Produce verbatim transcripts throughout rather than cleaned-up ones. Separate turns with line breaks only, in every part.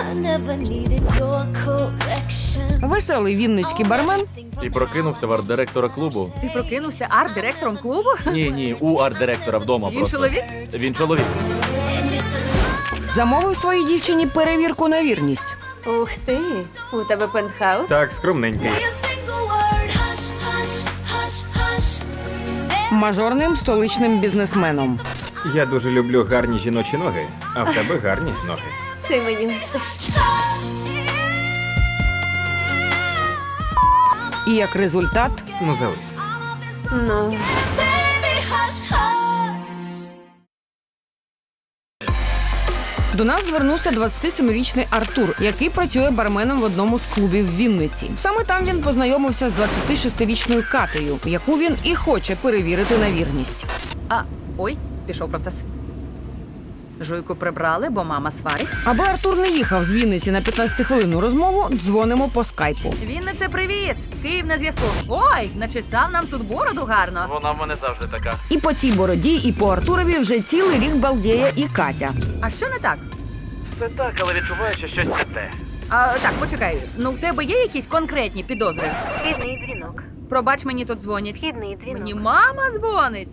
Веселий вінницький бармен
І прокинувся в арт-директора клубу.
Ти прокинувся арт-директором клубу?
Ні, ні, у арт-директора вдома
Він
просто.
чоловік?
Він чоловік.
замовив своїй дівчині перевірку на вірність.
Ух ти, у тебе пентхаус?
Так, скромненький.
Мажорним столичним бізнесменом.
Я дуже люблю гарні жіночі ноги, а в тебе гарні ноги.
Ти мені листиш.
І як результат
Ну, зались.
Ну,
до нас звернувся двадцятисемирічний Артур, який працює барменом в одному з клубів в Вінниці. Саме там він познайомився з двадцятишестирічною Катею, яку він і хоче перевірити на вірність.
А, ой, пішов процес. Жуйку прибрали, бо мама сварить.
Аби Артур не їхав з Вінниці на п'ятнадцятихвилинну розмову, дзвонимо по скайпу.
Віннице, привіт! Київ на зв'язку. Ой, начесав нам тут бороду гарно.
Вона в мене завжди така.
І по цій бороді, і по Артурові вже цілий рік балдіє і Катя.
А що не так?
Все так, але відчуваю, що щось не те.
А, так, почекай. Ну, в тебе є якісь конкретні підозри?
вхідний дзвінок.
Пробач, мені тут дзвонять.
Вхідний дзвінок.
Мені мама дзвонить.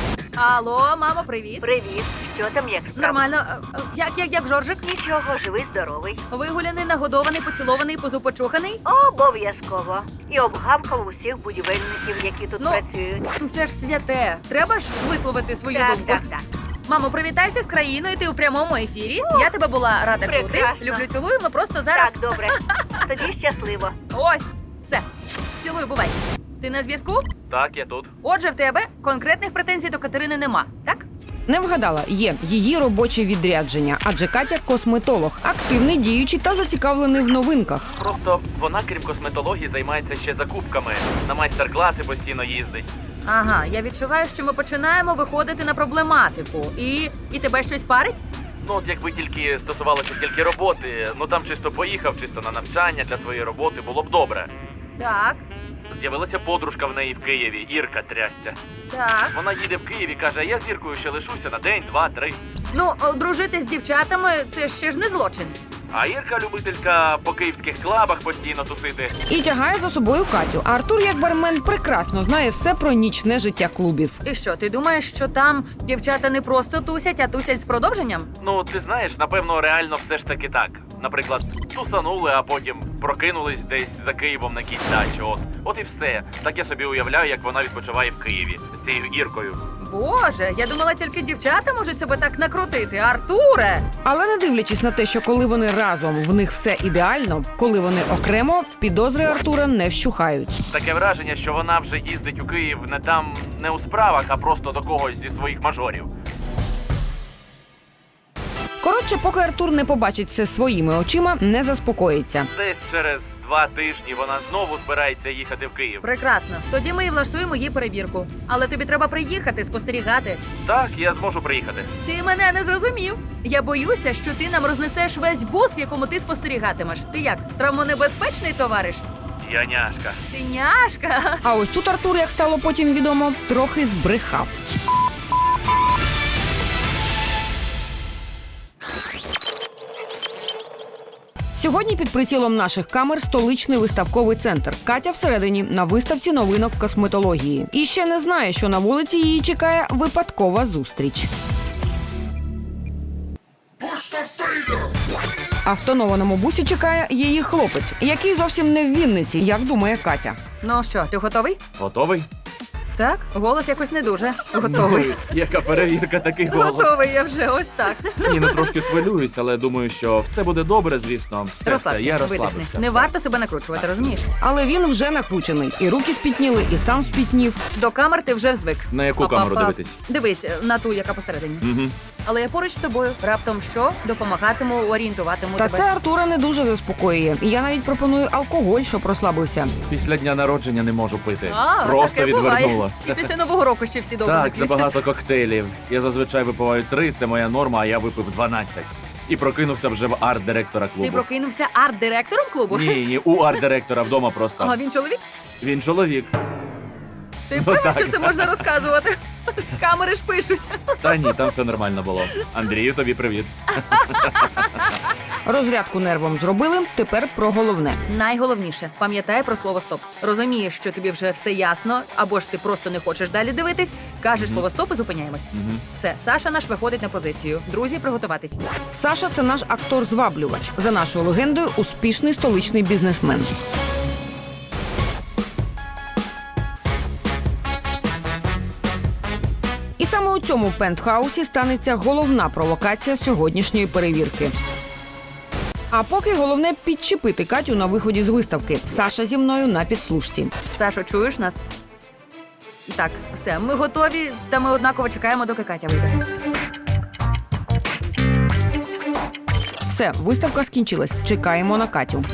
Алло, мамо, привіт.
Привіт. Що там, як справа?
Нормально. А, а, Як, як, як Жоржик?
Нічого, живий, здоровий.
Вигуляний, нагодований, поцілований, позупочуханий?
Обов'язково. І обгавкав усіх будівельників, які тут
Ну,
працюють.
Це ж святе. Треба ж висловити свою
Так,
думку.
так, так.
Мамо, привітайся з країною, ти у прямому ефірі. Я тебе була рада чути.
прекрасно.
Люблю, цілую, ми просто зараз...
Так, добре. Тоді щасливо.
Ось, все. Цілую, бувай. Ти на зв'язку?
Так, я тут.
Отже, в тебе конкретних претензій до Катерини нема, так?
Не вгадала, є її робоче відрядження, адже Катя – косметолог, активний, діючий та зацікавлений в новинках.
Просто вона, крім косметології, займається ще закупками. На майстер-класи постійно їздить.
Ага, я відчуваю, що ми починаємо виходити на проблематику. І, і тебе щось парить?
Ну, от якби тільки стосувалося тільки роботи, ну там чисто поїхав, чисто на навчання для своєї роботи, було б добре.
Так,
З'явилася подружка в неї в Києві, Ірка трясця.
так.
Вона їде в Києві, каже, я з Іркою ще лишуся на день, два, три.
Ну, о, дружити з дівчатами – це ще ж не злочин.
А Ірка любителька по київських клабах постійно тусити.
І тягає за собою Катю. А Артур, як бармен, прекрасно знає все про нічне життя клубів.
І що, ти думаєш, що там дівчата не просто тусять, а тусять з продовженням?
Ну, ти знаєш, напевно, реально все ж таки так. Наприклад, тусанули, а потім прокинулись десь за Києвом на якійсь дачі. От, от і все. Так я собі уявляю, як вона відпочиває в Києві з цією Іркою.
Боже, я думала, тільки дівчата можуть себе так накрутити. Артуре!
Але не дивлячись на те, що коли вони разом, в них все ідеально, коли вони окремо, підозри Артура не вщухають.
Таке враження, що вона вже їздить у Київ не там, не у справах, а просто до когось зі своїх мажорів.
Коротше, поки Артур не побачить все своїми очима, не заспокоїться.
Десь через два тижні вона знову збирається їхати в Київ.
Прекрасно. Тоді ми і влаштуємо їй перевірку. Але тобі треба приїхати, спостерігати.
Так, я зможу приїхати.
Ти мене не зрозумів. Я боюся, що ти нам рознесеш весь бус, в якому ти спостерігатимеш. Ти як, травмонебезпечний товариш?
Я няшка.
Ти няшка.
А ось тут Артур, як стало потім відомо, трохи збрехав. Сьогодні під прицілом наших камер столичний виставковий центр. Катя всередині на виставці новинок косметології. І ще не знає, що на вулиці її чекає випадкова зустріч. А в тонованому бусі чекає її хлопець, який зовсім не в Вінниці, як думає Катя.
Ну що, ти готовий?
Готовий?
Так, голос якось не дуже. Готовий.
Яка перевірка, такий голос.
Готовий я вже, ось так.
Ні, ну трошки хвилююсь, але думаю, що все буде добре, звісно. Все,
Розслабся,
все, я
видихни.
розслабився.
Не
все.
варто себе накручувати, розумієш?
Але він вже накручений. І руки спітніли, і сам спітнів.
До камер ти вже звик.
На яку
Па-па-па.
камеру дивитись?
Дивись, на ту, яка посередині.
Угу.
Але я поруч з тобою. Раптом що? Допомагатиму, орієнтуватиму
Та
тебе.
це Артура не дуже заспокоює. І я навіть пропоную алкоголь, щоб розслабився.
Після дня народження не можу пити.
А,
Просто
таке
відвернуло.
буває. І після Нового року ще всі довго
Так,
не п'ють.
забагато коктейлів. Я зазвичай випиваю три, це моя норма, а я випив дванадцять. І прокинувся вже в арт-директора клубу.
Ти прокинувся арт-директором клубу?
Ні, ні, у арт-директора вдома просто.
А він чоловік?
Він чоловік.
Ти
Ну,
певний,
так.
що це можна розказувати? Камери ж пишуть.
Та ні, там все нормально було. Андрію, тобі привіт.
Розрядку нервом зробили, тепер про головне.
Найголовніше, пам'ятай про слово стоп. Розумієш, що тобі вже все ясно, або ж ти просто не хочеш далі дивитись, кажеш слово стоп і зупиняємось. Все, Саша наш виходить на позицію. Друзі, приготуватись.
Саша – це наш актор-зваблювач. За нашою легендою, успішний столичний бізнесмен. І саме у цьому пентхаусі станеться головна провокація сьогоднішньої перевірки. А поки головне підчепити Катю на виході з виставки. Саша зі мною на підслушці.
Сашо, чуєш нас? Так, все, ми готові, та ми однаково чекаємо, доки Катя вийде.
Все, виставка скінчилась. Чекаємо на Катю.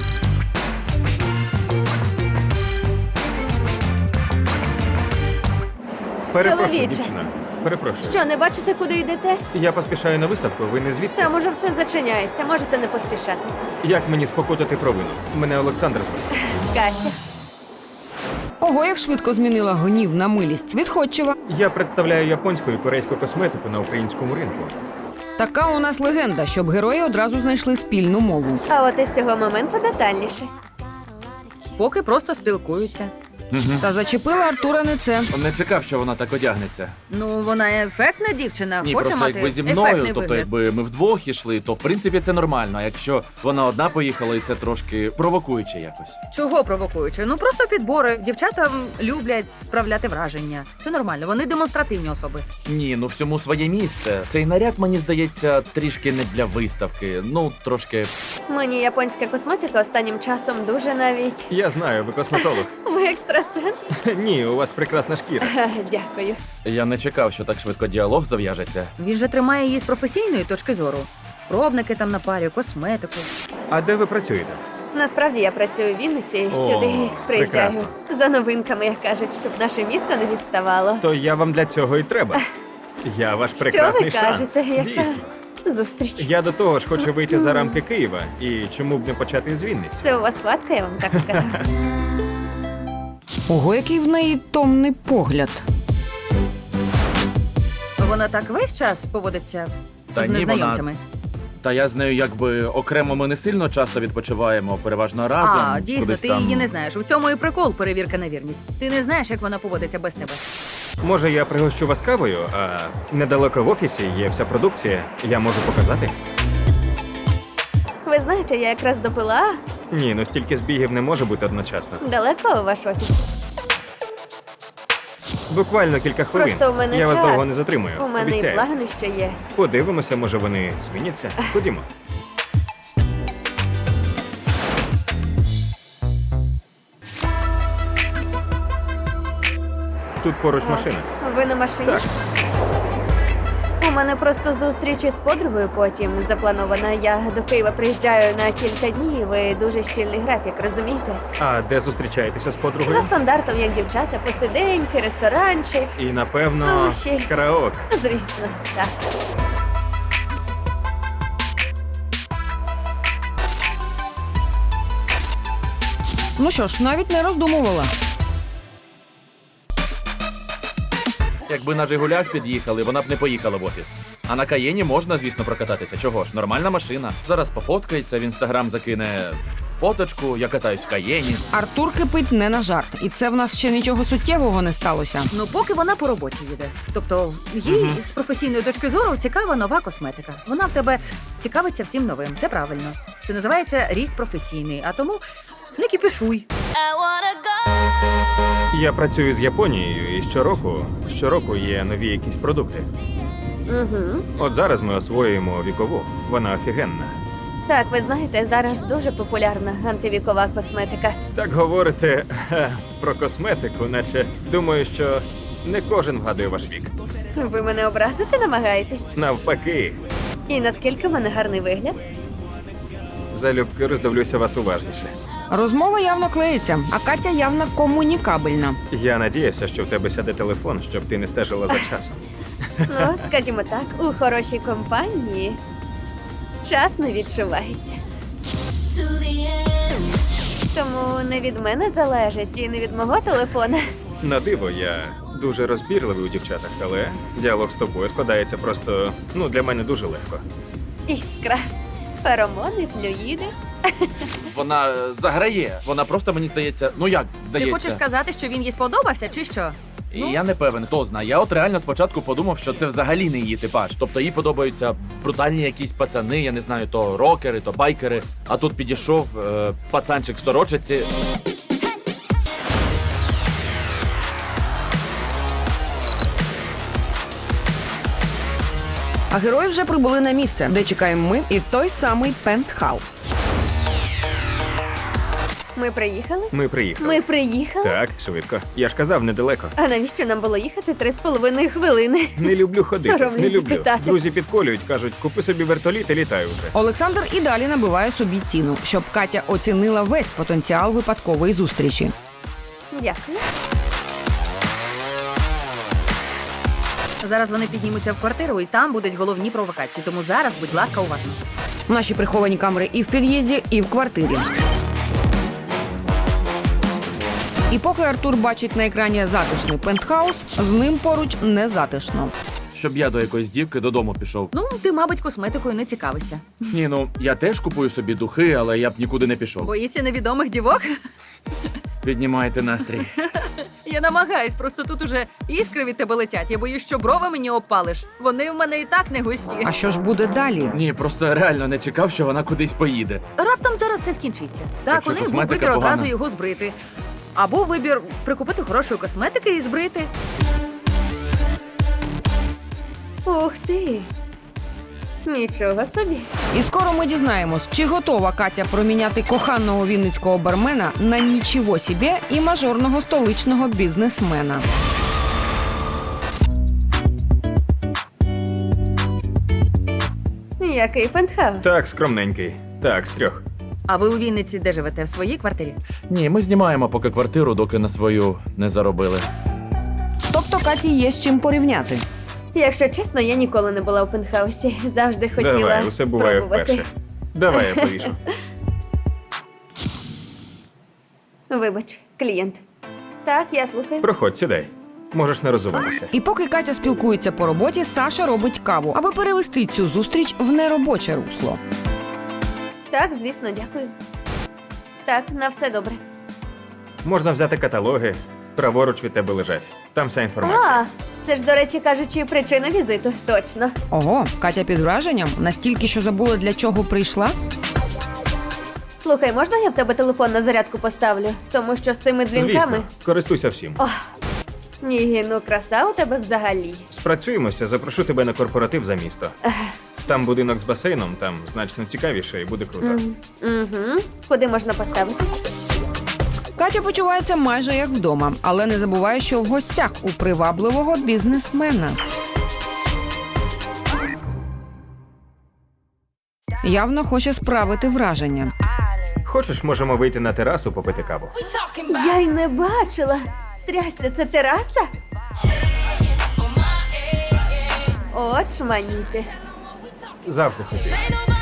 Перепрошую,
Чоловіче.
дівчина. Перепрошую.
Що, не бачите, куди йдете?
Я поспішаю на виставку, ви не звідти?
Там уже все зачиняється, можете не поспішати.
Як мені спокутати провину? Мене Олександр звати.
Катя.
Ого, як швидко змінила гнів на милість. Відходчива.
Я представляю японську і корейську косметику на українському ринку.
Така у нас легенда, щоб герої одразу знайшли спільну мову.
А от із цього моменту детальніше.
Поки просто спілкуються.
Та зачепила Артура не це.
Не чекав, що вона так одягнеться.
Ну, вона ефектна дівчина,
Ні,
хоче
просто
мати
якби зі
ефектний
мною, тобто
вигляд.
якби ми вдвох ішли, то в принципі це нормально. А якщо вона одна поїхала, і це трошки провокуюче якось.
Чого провокуючи? Ну просто підбори. Дівчата м, люблять справляти враження. Це нормально, вони демонстративні особи.
Ні, ну всьому своє місце. Цей наряд, мені здається, трішки не для виставки. Ну, трошки.
Мені японська косметика останнім часом дуже навіть.
Я знаю, ви косметолог.
Ви екстрасенс?
Ні, у вас прекрасна шкіра.
Ха, Дякую.
Я не чекав, що так швидко діалог зав'яжеться.
Він же тримає її з професійної точки зору. Пробники там на парі, косметику.
А де ви працюєте?
Насправді я працюю в Вінниці,
О,
сюди приїжджаю.
прекрасно.
За новинками, як кажуть, щоб наше місто не відставало.
То я вам для цього і треба. Я ваш прекрасний
Що ви
шанс.
кажете, яка
Дійсно.
зустріч?
Я до того ж хочу вийти за рамки Києва. І чому б не почати з Вінниці?
Це у вас хватка, я вам так скажу.
Ого, який в неї томний погляд.
Вона так весь час поводиться
Та
з
ні,
незнайомцями.
Та я з нею якби окремо ми не сильно часто відпочиваємо, переважно разом.
А, дійсно,
кудись
ти
там.
її не знаєш. У цьому і прикол перевірка на вірність. Ти не знаєш, як вона поводиться без тебе.
Може, я пригощу вас кавою, а недалеко в офісі є вся продукція. Я можу показати?
Ви знаєте, я якраз допила.
Ні, ну стільки збігів не може бути одночасно.
Далеко у ваш офіс?
Буквально кілька хвилин.
Просто у мене
я
час.
вас довго не затримую.
У мене
Обіцяю.
і плани ще є.
Подивимося, може вони зміняться. Ходімо. Тут поруч машина.
Ви на машині?
Так.
У мене просто зустріч із подругою потім запланована. Я до Києва приїжджаю на кілька днів. Ви дуже щільний графік, розумієте?
А де зустрічаєтеся з
За
подругою?
стандартом, як дівчата, посиденьки, ресторанчик.
І напевно
Суші.
караоке.
Звісно, так.
Ну що ж, навіть не роздумувала.
Якби на Жигулях під'їхали, вона б не поїхала в офіс. А на Каєні можна, звісно, прокататися. Чого ж, нормальна машина. Зараз пофоткається, в інстаграм закине фоточку, я катаюсь в Каєні.
Артур кипить не на жарт. І це в нас ще нічого суттєвого не сталося.
Ну, поки вона по роботі їде. Тобто, їй з професійної точки зору цікава нова косметика. Вона в тебе цікавиться всім новим. Це правильно. Це називається ріст професійний. А тому не кіпішуй.
Я працюю з Японією, і щороку, щороку є нові якісь продукти.
Угу.
От зараз ми освоюємо вікову. Вона офігенна.
Так, ви знаєте, зараз дуже популярна антивікова косметика.
Так говорите ха, про косметику, наче думаю, що не кожен вгадує ваш вік.
Ви мене образити намагаєтесь?
Навпаки,
І наскільки в мене гарний вигляд?
залюбки роздивлюся вас уважніше.
Розмова явно клеїться, а Катя явно комунікабельна.
Я надіявся, що в тебе сяде телефон, щоб ти не стежила за часом.
Ну, скажімо так, у хорошій компанії час не відчувається. Тому не від мене залежить і не від мого телефона.
На диво, я дуже розбірливий у дівчатах, але діалог з тобою складається просто, ну, для мене дуже легко.
Іскра. Феромони, флюїди.
Вона е, заграє. Вона просто, мені здається, ну як
Ти
здається.
хочеш сказати, що він їй сподобався, чи що?
І я не певен, хто знає. Я от реально спочатку подумав, що це взагалі не її типаж. Тобто їй подобаються брутальні якісь пацани, я не знаю, то рокери, то байкери. А тут підійшов е, пацанчик в сорочиці.
А герої вже прибули на місце, де чекаємо ми і той самий пентхаус.
Ми приїхали?
Ми приїхали.
Ми приїхали?
Так, швидко. Я ж казав, недалеко.
А навіщо нам було їхати три з половиною хвилини?
Не люблю ходити.
Соромлюсь
Не люблю.
запитати.
Друзі підколюють, кажуть, купи собі вертоліт і літай уже.
Олександр і далі набиває собі ціну, щоб Катя оцінила весь потенціал випадкової зустрічі.
Дякую.
Зараз вони піднімуться в квартиру, і там будуть головні провокації. Тому зараз, будь ласка, уважно.
Наші приховані камери і в під'їзді, і в квартирі. І поки Артур бачить на екрані затишний пентхаус, з ним поруч не затишно.
Щоб я до якоїсь дівки додому пішов.
Ну, ти, мабуть, косметикою не цікавишся.
Ні, ну я теж купую собі духи, але я б нікуди не пішов.
Боїшся невідомих дівок?
Піднімайте настрій.
Я намагаюсь, просто тут уже іскри від тебе летять. Я боюсь, що брови мені опалиш. Вони в мене і так не густі.
А що ж буде далі?
Ні, просто реально не чекав, що вона кудись поїде.
Раптом зараз все скінчиться. Так,
Якщо
у них був
косметика
вибір
погана.
одразу його збрити. Або вибір прикупити хорошої косметики і збрити.
Ух ти. Нічого собі.
І скоро ми дізнаємось, чи готова Катя проміняти коханого вінницького бармена на нічого собі і мажорного столичного бізнесмена.
Який пентхаус?
Так, скромненький. Так, з трьох.
А ви у Вінниці де живете? В своїй квартирі?
Ні, ми знімаємо поки квартиру, доки на свою не заробили.
Тобто Каті є з чим порівняти.
Якщо чесно, я ніколи не була у пентхаусі. Завжди хотіла
Давай, усе буває
спробувати.
вперше. Давай я повішу.
Вибач, клієнт. Так, я слухаю.
Проходь, сідай. Можеш не розуватися.
І поки Катя спілкується по роботі, Саша робить каву, аби перевести цю зустріч в неробоче русло.
Так, звісно, дякую. Так, на все добре.
Можна взяти каталоги. Праворуч від тебе лежать. Там вся інформація.
А, це ж, до речі, кажучи, причина візиту. Точно.
Ого, Катя під враженням? Настільки, що забула, для чого прийшла?
Слухай, можна я в тебе телефон на зарядку поставлю? Тому що з цими дзвінками.
Звісно, користуйся всім.
Ох, ні, ну краса у тебе взагалі.
Спрацюємося, запрошу тебе на корпоратив за місто. Там будинок з басейном, там значно цікавіше і буде круто.
Угу. Куди можна поставити?
Катя почувається майже як вдома, але не забуває, що в гостях у привабливого бізнесмена. Явно хоче справити враження.
Хочеш, можемо вийти на терасу попити каву?
Я й не бачила. Трясся, це тераса? От шманіти.
Завжди хотів.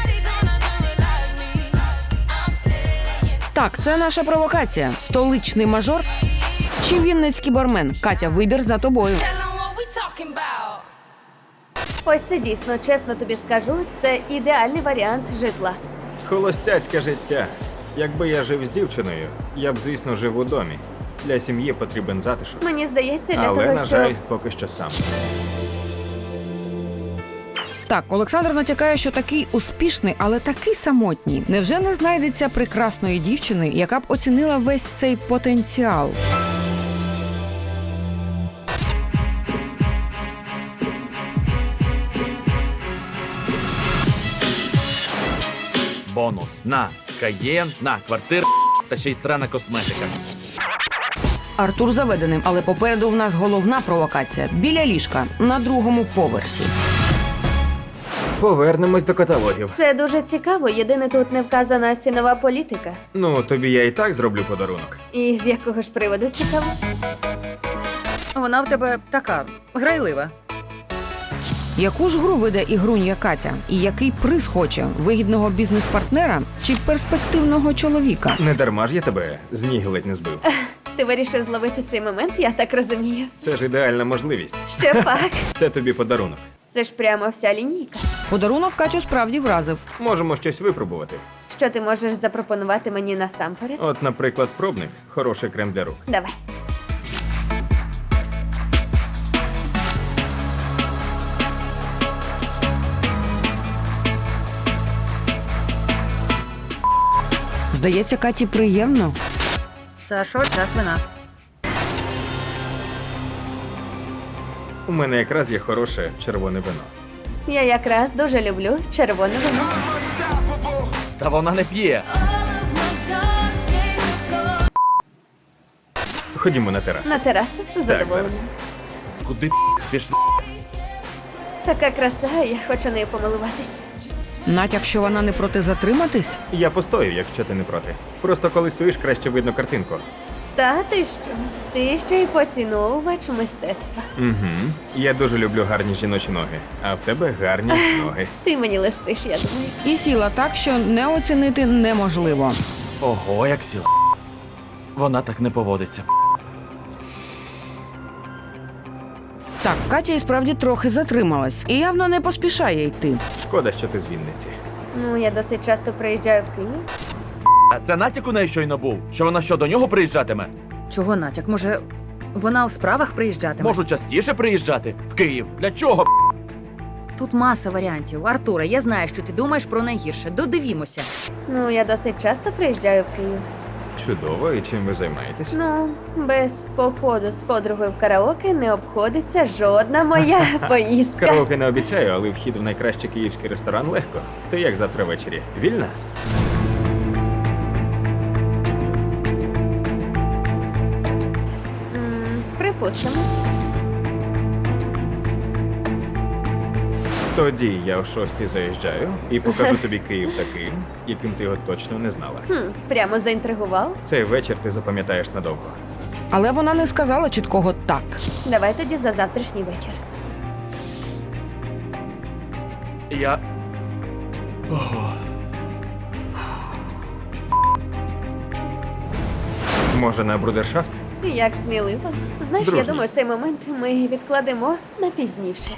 Так, це наша провокація. Столичний мажор чи вінницький бармен? Катя, вибір за тобою.
Ось це дійсно, чесно тобі скажу, це ідеальний варіант житла.
Холостяцьке життя. Якби я жив з дівчиною, я б, звісно, жив у домі. Для сім'ї потрібен затишок.
Мені здається, для
Але,
того,
на
що...
жаль, поки що сам.
Так, Олександр натякає, що такий успішний, але такий самотній. Невже не знайдеться прекрасної дівчини, яка б оцінила весь цей потенціал?
Бонус на каєн, на квартир та ще й срана косметика.
Артур заведеним, але попереду в нас головна провокація. Біля ліжка, на другому поверсі.
Повернемось до каталогів.
Це дуже цікаво, єдине тут не вказана цінова політика.
Ну, тобі я і так зроблю подарунок.
І з якого ж приводу цікаво?
Вона в тебе така грайлива.
Яку ж гру веде ігрунья Катя? І який приз хоче? Вигідного бізнес-партнера чи перспективного чоловіка?
Не дарма ж я тебе з ніг ледь не збив.
Ти вирішив зловити цей момент, я так розумію.
Це ж ідеальна можливість.
Ще пак.
Це тобі подарунок.
Це ж прямо вся лінійка.
Подарунок Катю справді вразив.
Можемо щось випробувати.
Що ти можеш запропонувати мені насамперед?
От, наприклад, пробник, хороший крем для рук.
Давай.
Здається, Каті приємно.
Сашо, час вина.
У мене якраз є хороше червоне вино.
Я якраз дуже люблю червоне вино.
Та вона не п'є.
Ходімо на терасу.
На терасу з задоволенням.
зараз.
Куди пішла?
Така краса, я хочу нею помилуватись.
Натяк, що вона не проти затриматись?
Я постою, якщо ти не проти. Просто коли стоїш, краще видно картинку.
Та ти що? Ти ще й поціновувач мистецтва.
Угу. Я дуже люблю гарні жіночі ноги, а в тебе гарні ноги.
Ти мені листиш, я думаю.
І сіла так, що не оцінити неможливо.
Ого, як сіла. Вона так не поводиться.
Так, Катя і справді трохи затрималась і явно не поспішає йти.
Шкода, що ти з Вінниці.
Ну, я досить часто приїжджаю в Київ.
А це натяк у неї щойно був? Що вона що, до нього приїжджатиме?
Чого натяк? Може, вона у справах приїжджатиме?
Можу частіше приїжджати в Київ. Для чого?
Тут маса варіантів. Артуре, я знаю, що ти думаєш про найгірше. Додивімося.
Ну, я досить часто приїжджаю в Київ.
Чудово, і чим ви займаєтесь?
Ну, без походу з подругою в караоке не обходиться жодна моя поїздка.
Караоке не обіцяю, але вхід в найкращий київський ресторан легко. Ти як завтра ввечері? Вільна?
М, Припустимо.
Тоді я о шостій заїжджаю і покажу тобі Київ таким, яким ти його точно не знала.
Хм, прямо заінтригував.
Цей вечір ти запам'ятаєш надовго.
Але вона не сказала чіткого так.
Давай тоді за завтрашній вечір.
Я.
Може, на брудершафт?
Як сміливо. Знаєш,
Дружньо.
я думаю, цей момент ми відкладемо на пізніше.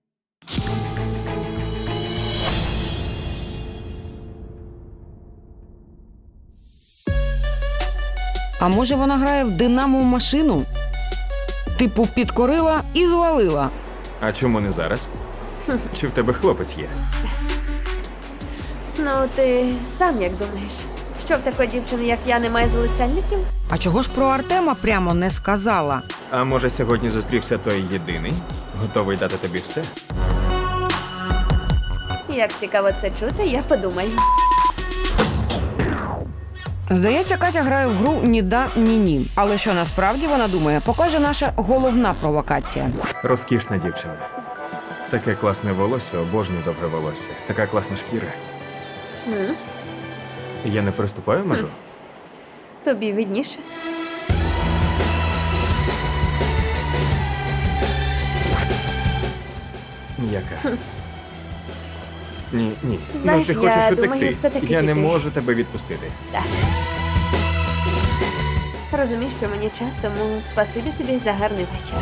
А може вона грає в динамову машину? Типу підкорила і звалила.
А чому не зараз? Чи в тебе хлопець є?
Ну, ти сам як думаєш? Що в такої дівчини, як я, немає залицяльників?
А чого ж про Артема прямо не сказала?
А може, сьогодні зустрівся той єдиний, готовий дати тобі все?
Як цікаво це чути, я подумаю.
Здається, Катя грає в гру «Ні да, ні ні». Але що насправді вона думає, покаже наша головна провокація.
Розкішна дівчина. Таке класне волосся, обожнюю довге волосся. Така класна шкіра.
М?
Я не переступаю межу?
Тобі відніше.
М'яка. Ні, ні.
Знаєш,
ну, ти
я
хочеш
думаю,
утекти.
все-таки
Я не
піти.
можу тебе відпустити.
Так. Розумієш, що мені час, тому спасибі тобі за гарний вечір.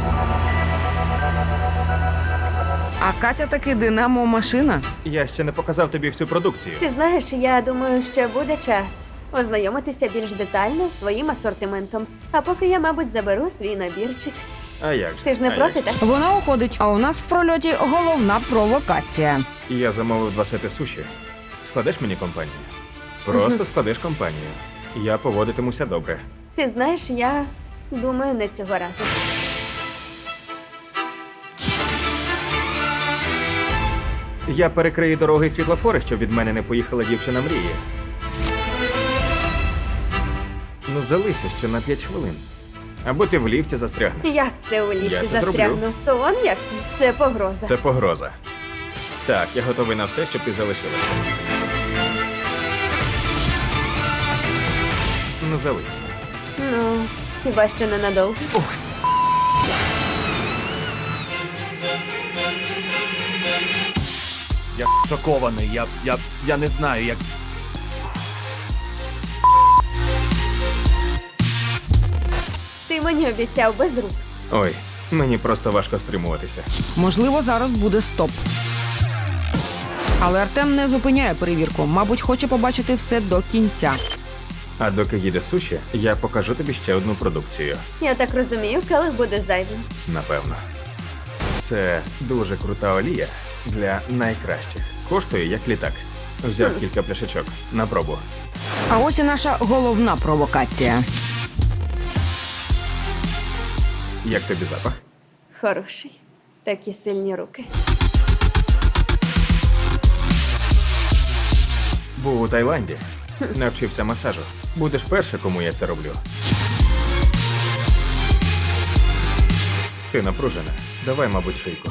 А Катя таки динамова машина.
Я ще не показав тобі всю продукцію.
Ти знаєш, я думаю, що буде час ознайомитися більш детально з твоїм асортиментом. А поки я, мабуть, заберу свій набірчик.
А як же?
Ти ж не
А
проти,
як же?
так?
Вона уходить, а у нас в прольоті головна провокація.
Я замовив два сети суші. Складеш мені компанію? Просто складеш компанію. Я поводитимуся добре.
Ти знаєш, я думаю, не цього разу.
Я перекрию дороги і світлофори, щоб від мене не поїхала дівчина мрії. Ну, залися ще на п'ять хвилин. Або ти в ліфті застрягнеш.
Як це у
Я
ліфті
це зроблю.
застрягну? То он як ти? Це погроза.
Це погроза. Так, я готовий на все, щоб ти залишилася. Ну, зались.
Ну, хіба що ненадовго.
Я шокований. Я. я. я не знаю, як.
Ти мені обіцяв без рук.
Ой, Мені просто важко стримуватися.
Можливо, зараз буде стоп. Але Артем не зупиняє перевірку. Мабуть, хоче побачити все до кінця.
А доки їде суші, я покажу тобі ще одну продукцію.
Я так розумію, келих буде зайвим.
Напевно. Це дуже крута олія для найкращих. Коштує як літак. Взяв кілька пляшечок на пробу.
А ось і наша головна провокація.
Як тобі запах?
Хороший. Такі сильні руки.
Був у Таїланді. Навчився масажу. Будеш перша, кому я це роблю. Ти напружена. Давай, мабуть, шийку.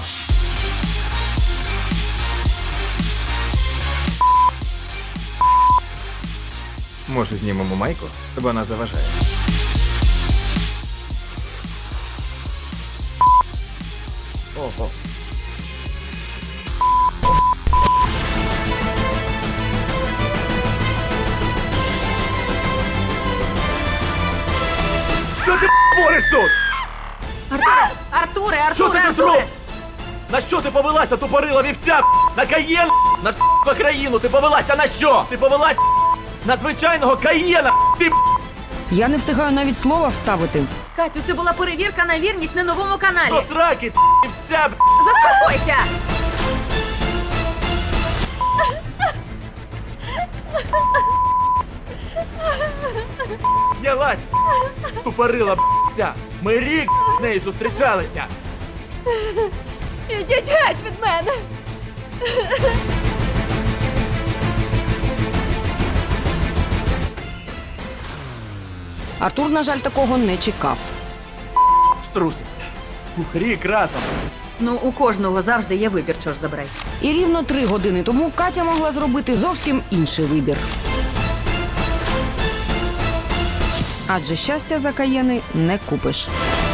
Може, знімемо майку? Вона заважає.
Ого. Що ти бориш тут?
Артуре! Артуре!
Що ти
Артуре!
тут робиш?
Артуре!
На що ти повелася, тупорила вівця? На каєн? На всю країну ти повелася на що? Ти повелась на звичайного каєна? Ти
Я не встигаю навіть слова вставити.
Катю, це була перевірка на вірність на новому каналі.
до сраки, вівця.
Заспокойся!
Знялась! Тупорила ця! Ми рік з нею зустрічалися!
Ідіть геть від мене!
Артур, на жаль, такого не чекав.
Штрусик! Ух, рік разом!
Ну, у кожного завжди є вибір, що ж забрати.
І рівно три години тому Катя могла зробити зовсім інший вибір. Адже щастя за каєни не купиш.